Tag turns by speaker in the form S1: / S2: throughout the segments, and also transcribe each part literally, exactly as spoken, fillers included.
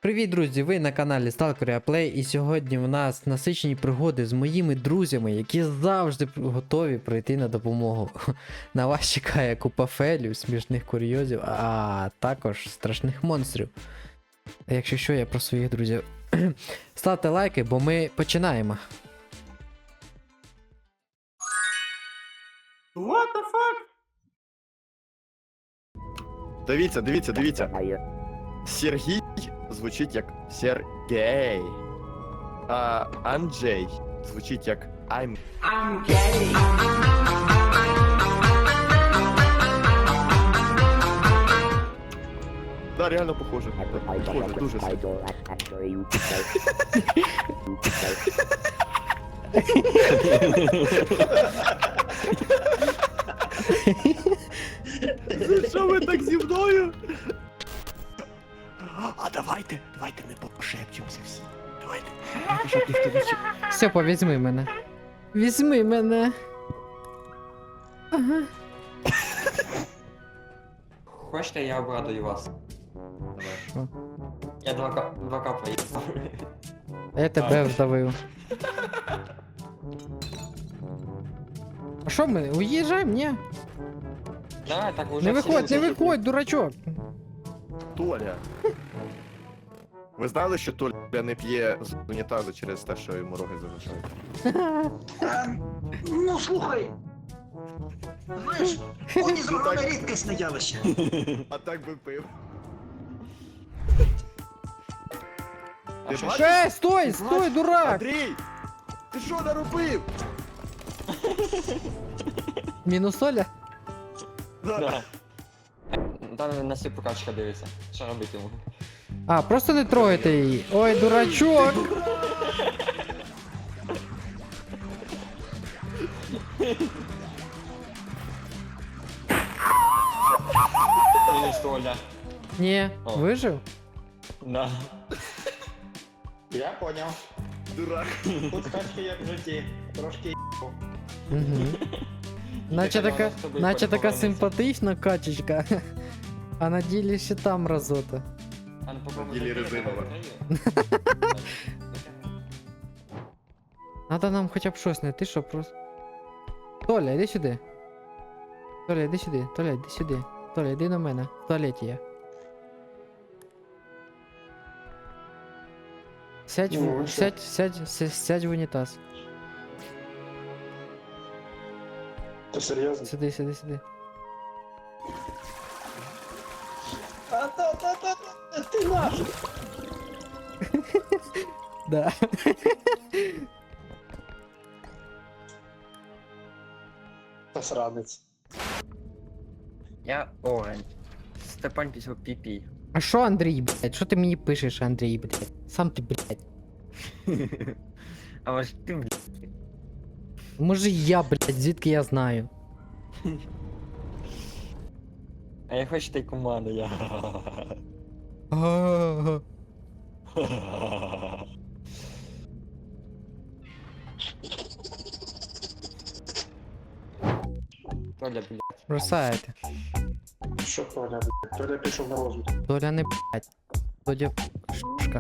S1: Привіт, друзі! Ви на каналі Stalker Play, і сьогодні у нас насичені пригоди з моїми друзями, які завжди готові прийти на допомогу. На вас чекає купа фейлів, смішних курйозів, а також страшних монстрів. А якщо що, я про своїх друзів. Ставте лайки, бо ми починаємо.
S2: What the fuck?
S3: Дивіться, дивіться, дивіться. Сергій звучить як Сергей. А Анджей звучить як I'm.
S2: I'm gay.
S3: Да, реально похоже. Похоже, дуже сильно. Що ви так зі мною? А давайте, давайте ми пошепчемося всі. Давайте. Давайте, щоб ніхто не чув.
S1: Степа, візьми мене. Візьми мене. Ага.
S4: Хочете, я обрадую вас?
S1: Що?
S4: Я два, ка- два капа їх.
S1: Я тебе вдавив. А що ми? Уїжджаємо, ні?
S4: Давай, так уже
S1: Не
S4: всі
S1: виходь, не
S4: люди-
S1: виходь, дурачок.
S3: Толя. Ви знали, що Толя не п'є з унітазу через те, що йому роги залишають?
S2: Ну слухай. Знаєш, унізорона рідкісне явище.
S3: А так би пив.
S4: А
S3: Ти
S4: що,
S3: бачиш?
S1: Ей, стой, стой, дурак!
S3: Андрій! Ти що наробив?
S1: Мінус Оля?
S4: Да. Там на всі прокачка дивиться. Що робити йому?
S1: А, просто не трогайте її. Ой, дурачок!
S4: Мінус Толя.
S1: Ні,
S4: О.
S1: вижив?
S4: Да.
S5: Я поняв.
S3: Дурак.
S5: Тут качки як в житті. Трошки
S1: Угу. Наче
S4: Так,
S1: така,
S4: вона з тобою
S1: наче така
S4: повернеться.
S1: симпатична качечка. А на ділі ще там разота.
S4: А ну попробуй.
S3: Ілі
S4: закрити,
S3: резинова.
S4: закрию.
S1: Надо нам хоча б щось знайти, що просто. Толя, іди сюди. Толя, іди сюди. Толя, іди сюди. Толя, іди на мене. В туалеті я. Сядь,
S5: Ну,
S1: в,
S5: а що?
S1: сядь, сядь, сядь, сядь в унітаз.
S5: Ти серйозно?
S1: Сиди, сиди, сиди.
S5: А та та та та ти нафіг!
S1: Да.
S5: Та сранець.
S4: Я Оранж. Степан пішов пі-пі.
S1: А що, Андрій, блядь? Що ти мені пишеш, Андрій, блядь? Сам ти, блядь.
S4: А може ти, блядь?
S1: Може я, блядь, звідки я знаю?
S4: А я хочу та й команду, я.
S1: Ага.
S4: Толя, блядь.
S1: Бросаєте.
S5: Що Толя, блядь? Толя пішов на розвиток.
S1: Толя не блядь. Толя шушка.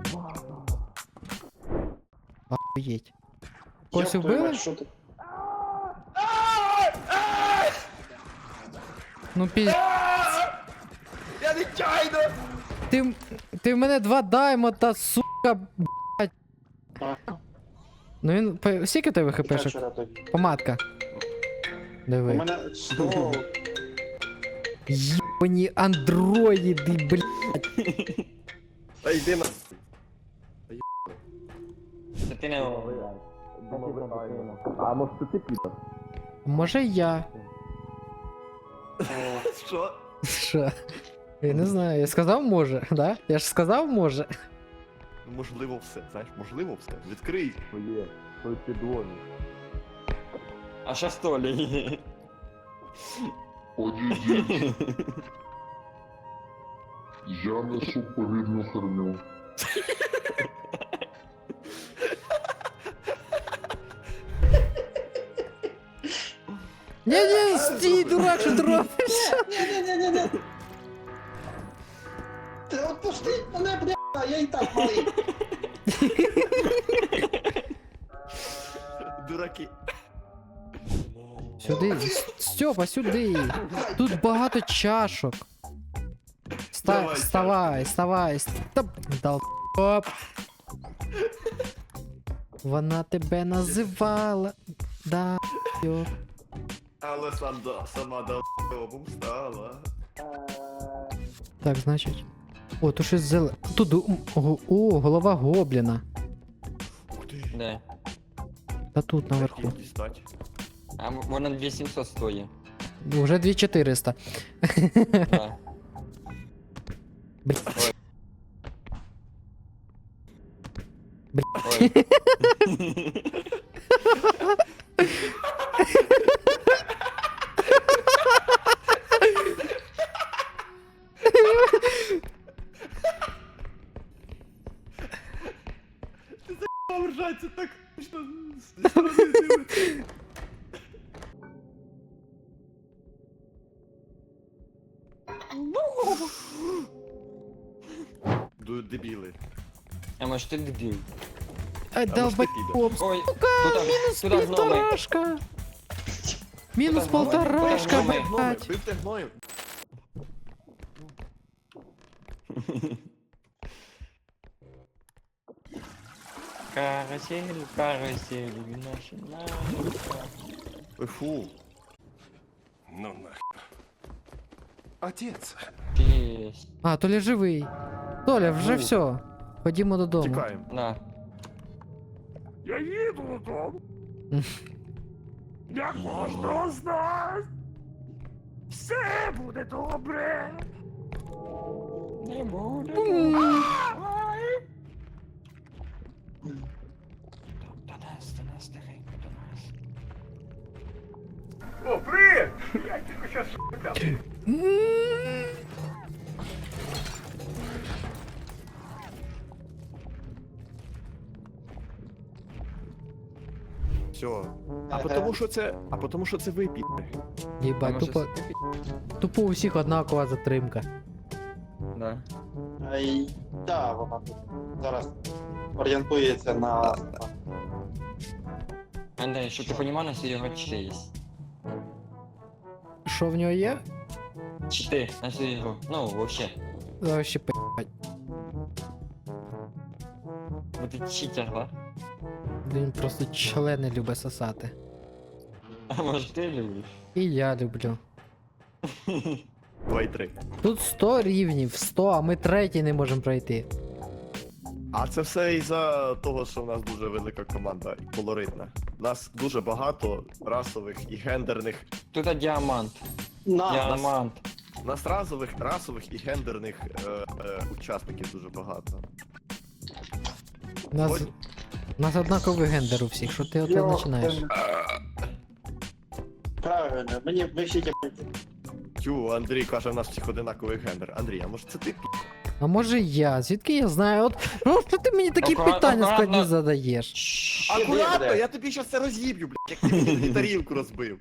S1: Охуєть. Когось
S5: Йоп твою
S1: вбили?
S5: мать, що ти?
S1: Ну піз...
S3: Я нечайно!
S1: Ти, м- ти в мене два даймота, сука, блядь.
S5: А,
S1: Ну він... по- Скільки в тебе
S5: яка
S1: хпшок?
S5: вчора тоді?
S1: Помадка.
S5: У
S1: Диви.
S5: мене сто...
S1: Єбані андроїди, блядь.
S3: Та йди на...
S4: Та ти не...
S3: А може це ти піде?
S1: Може я.
S3: Що?
S1: Що? Я не знаю, я сказав може, да? Я ж сказав може.
S3: Можливо все, знаєш, можливо все. Відкрий своє, свою підлогу.
S4: А що з Толі?
S6: Я несу повільну херню.
S1: Ні-ні, стій, дурак, що ти робиш?
S5: Ні-ні-ні-ні-ні! Ти от Пустіть мене, бля, я і так малий.
S3: Дураки.
S1: Сюди. С- Стьопа, сюди. Тут багато чашок. Ста...
S3: Давай,
S1: Вставай, вставай. Стоп. Дал. Оп. Вона тебе називала. Да. Йоп.
S3: Але сам да, сама до стала.
S1: Так, значить. О, то щось зеле. Тут. м, О, о, голова гобліна.
S3: Ух ти.
S4: Де?
S1: Та тут наверху.
S3: Хотів дістати.
S4: А м- вона дві сімсот стоїть.
S1: Уже дві чотириста.
S4: Да.
S1: Блін.
S4: Ой.
S1: Блін.
S4: Ой.
S3: Ржаться так, що з сторони дивиться. Ду- Дебіли.
S4: А може ти дебіл?
S1: Ай,
S3: А може
S1: долбай.
S3: ти підеш?
S4: Ой, туди, туди гноми.
S1: Полторашка. Мінус
S4: Туди гноми,
S1: полторашка,
S4: туди гноми.
S1: блядь.
S3: Бивте гною.
S4: Карусель, карусель, наша, наша.
S3: Ой, фу.
S7: Ну нахер. Отец.
S4: Єсть.
S1: А, Толя живий. Толя, вже
S3: Ну.
S1: все. Ходімо додому.
S3: Тікаємо.
S4: На.
S7: Я їду додому.
S1: Мгм.
S7: Як можна знати? Все буде добре.
S4: Не буде.
S7: Ай!
S4: До нас, до нас, тихенько, до нас.
S7: О, привіт! Я тільки щас шукав.
S3: Все. А потому що це. А потому що це ви піде.
S4: А
S1: Єбать,
S4: може
S1: тупо,
S4: с-
S1: тупо у всіх однакова затримка.
S4: Да.
S5: Ай, да, вона тут зараз орієнтується на...
S4: Андрей, щоб ти розумів, у нас його чити є.
S1: Що в нього є?
S4: Чити на всю ігру. Ну, вообще.
S1: Вообще п***.
S4: Бо ти читер, да?
S1: Він просто члени любить сосати.
S4: А може ти любиш?
S1: І я люблю.
S3: Два і три.
S1: Тут сто рівнів, сто, а ми третій не можемо пройти.
S3: А це все із-за того, що в нас дуже велика команда і колоритна. У нас дуже багато расових і гендерних.
S4: Тут діамант.
S5: На,
S4: Діамант.
S3: У нас разових, расових і гендерних е, е, учасників дуже багато.
S1: У нас,
S3: Ой.
S1: у нас однаковий гендер у всіх, що ти оце
S5: Йо,
S1: починаєш?
S5: ем, Правильно, мені ми всі тіпи.
S3: Тю, Андрій каже, в нас всіх одинаковий гендер. Андрій, а може це ти пі?
S1: А може я? Звідки я знаю? От, ну, що ти мені такі
S4: Аккуратно,
S1: питання складні
S4: аккуратно.
S1: задаєш?
S3: Акуратно,
S5: буде.
S3: я тобі щас це роз'їб'ю, блядь, як ти мені тарілку розбив.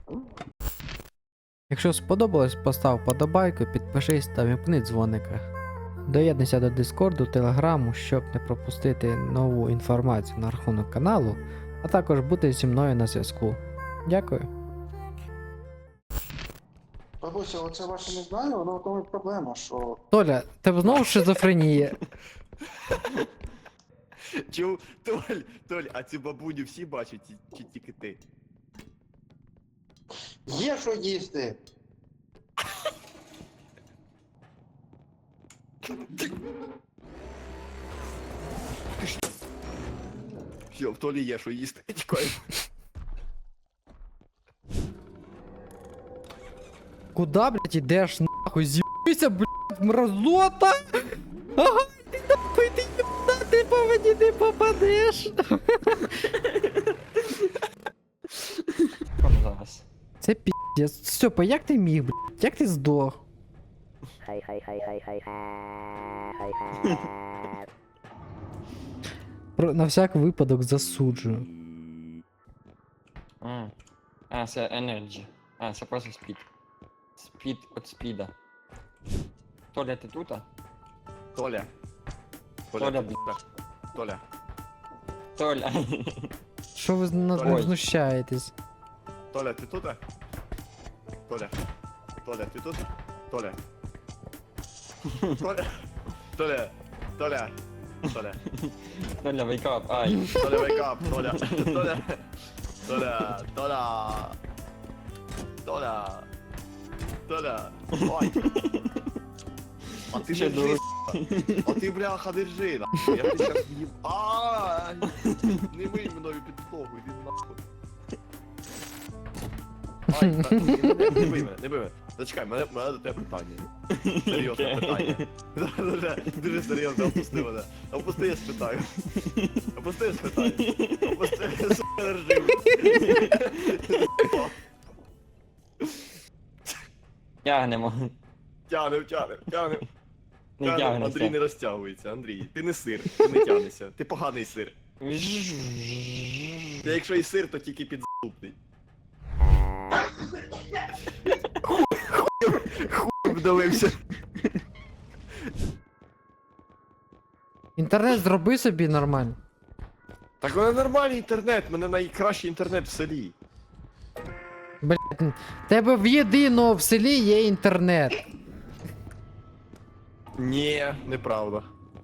S1: Якщо сподобалось, постав подобайку, підпишись та вімкни дзвоника. Доєднуйся до Дискорду, Телеграму, щоб не пропустити нову інформацію на рахунок каналу, а також бути зі мною на зв'язку. Дякую.
S5: Бабуся, оце ваше не знаю, воно в тому і проблема, що...
S1: Толя, тебе знову шизофренія.
S3: Чу, Толь, Толь, а цю бабуню всі бачать, чи- чи тільки ти?
S5: Є що їсти!
S3: Все, в Толі є, що їсти. Тікаємо.
S1: Куда, блядь, ідеш нахуй? З'їбися, блядь, мразота! Ага, ти нахуй, ти єбна, ти по мені не попадеш.
S4: Кому зараз?
S1: Це піздець. Стьопа, як ти міг, блядь? Як ти здох? Про, на всяк випадок засуджую.
S4: А, а це Energy. А, це просто спід. Спід від спіда. Толя, ти тут?
S3: Толя.
S4: Толя,
S3: ти
S4: блядь.
S3: тут? Толя.
S4: Толя.
S1: Що ви над
S3: Ой.
S1: ним знущаєтесь?
S3: Толя, ти тут? Толя. Толя, ти тут? Толя. Толя. Толя. Толя. Толя.
S4: Толя, wake up. Ай.
S3: Толя, wake up, Толя. Толя. Толя. Толя. Толя. Толя. Ой. А ти
S4: Ще
S3: держи, с***. А ти, бляха, держи, нахуй. Я ти щас їм... Ай! Не мий мною підлогу, іди нахуй. Ай, та, ні, не, не бий мене, не бий мене. Зачекай, мене, мене до тебе питання. Серйозне
S4: Окей.
S3: питання. Дуже, дуже серйозно, опусти мене. Опусти, я спитаю. Опусти, я спитаю. Опусти, я сука, держи.
S4: Тягнемо.
S3: Тягнем, тягнем, тягнем.
S4: Не
S3: Тягнем. Андрій
S4: тягнеться.
S3: не розтягується, Андрій. Ти не сир, ти не тягнешся. Ти поганий сир. Ти якщо і сир, то тільки підзубний. Хуй вдалився.
S1: Інтернет зроби собі нормально.
S3: Так у мене нормальний інтернет, у мене найкращий інтернет в селі.
S1: Блять, тебе в єдиного в селі є інтернет.
S3: Ні, неправда.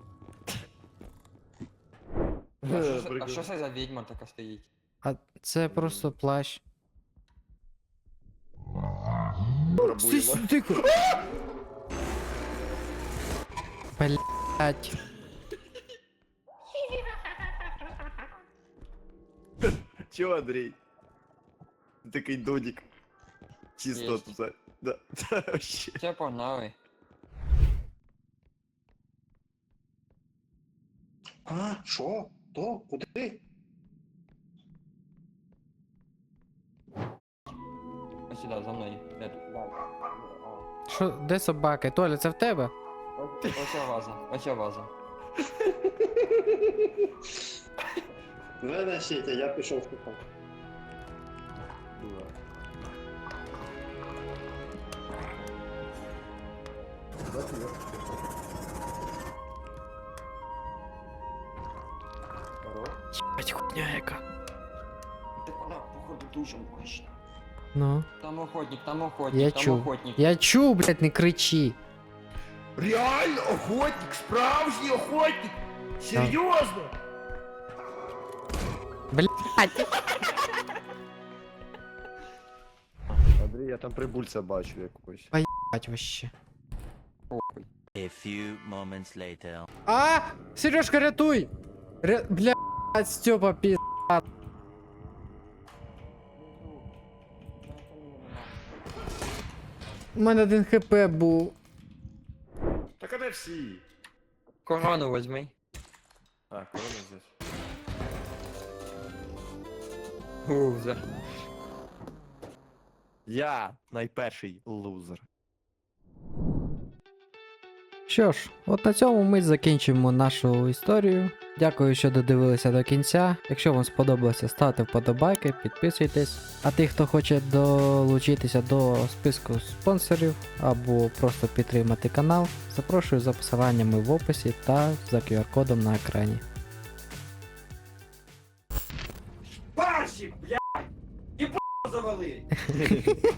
S4: А що це- А що це за відьма така стоїть?
S1: А це просто плащ.
S3: Пробуємо.
S1: Тихо. Блять.
S3: Чого, Андрій? Ти такий додік. Чисто
S4: Єсть.
S3: тут. Да. Вообще.
S4: Все, погнали.
S5: А, що? То? Куди?
S4: Ось сюди, за мною. Де тут?
S1: Що, де собаки? Толя, це в тебе?
S4: Ось ось ця ваза, ось ця ваза.
S5: Ви несіть, я пішов в купол.
S1: Єбать, хуйня яка.
S4: Так вона, походу, дуже мощна.
S1: Ну.
S4: Там охотник, там охотник,
S1: Я
S4: там
S1: чув.
S4: охотник.
S1: Я чув, блять, не кричи.
S7: Реально охотник, справжній охотник! Серйозно!
S1: Блять.
S3: Андрій, я там прибульця бачу якогось.
S1: Бать вообще.
S4: Похуй.
S8: A few moments later.
S1: А! Сережка, рятуй! Ря... Блять, Степа, пи***. У мене один хп був.
S3: Так а де всі?
S4: Корону возьми.
S3: А, корона здесь.
S4: Лузер.
S3: Я найперший лузер.
S1: Що ж, от на цьому ми закінчимо нашу історію. Дякую, що додивилися до кінця. Якщо вам сподобалося, ставте вподобайки, підписуйтесь. А ті, хто хоче долучитися до списку спонсорів або просто підтримати канал, запрошую за посиланнями в описі та за кю ар-кодом на екрані.
S7: Парсик, блядь! І п*** завали!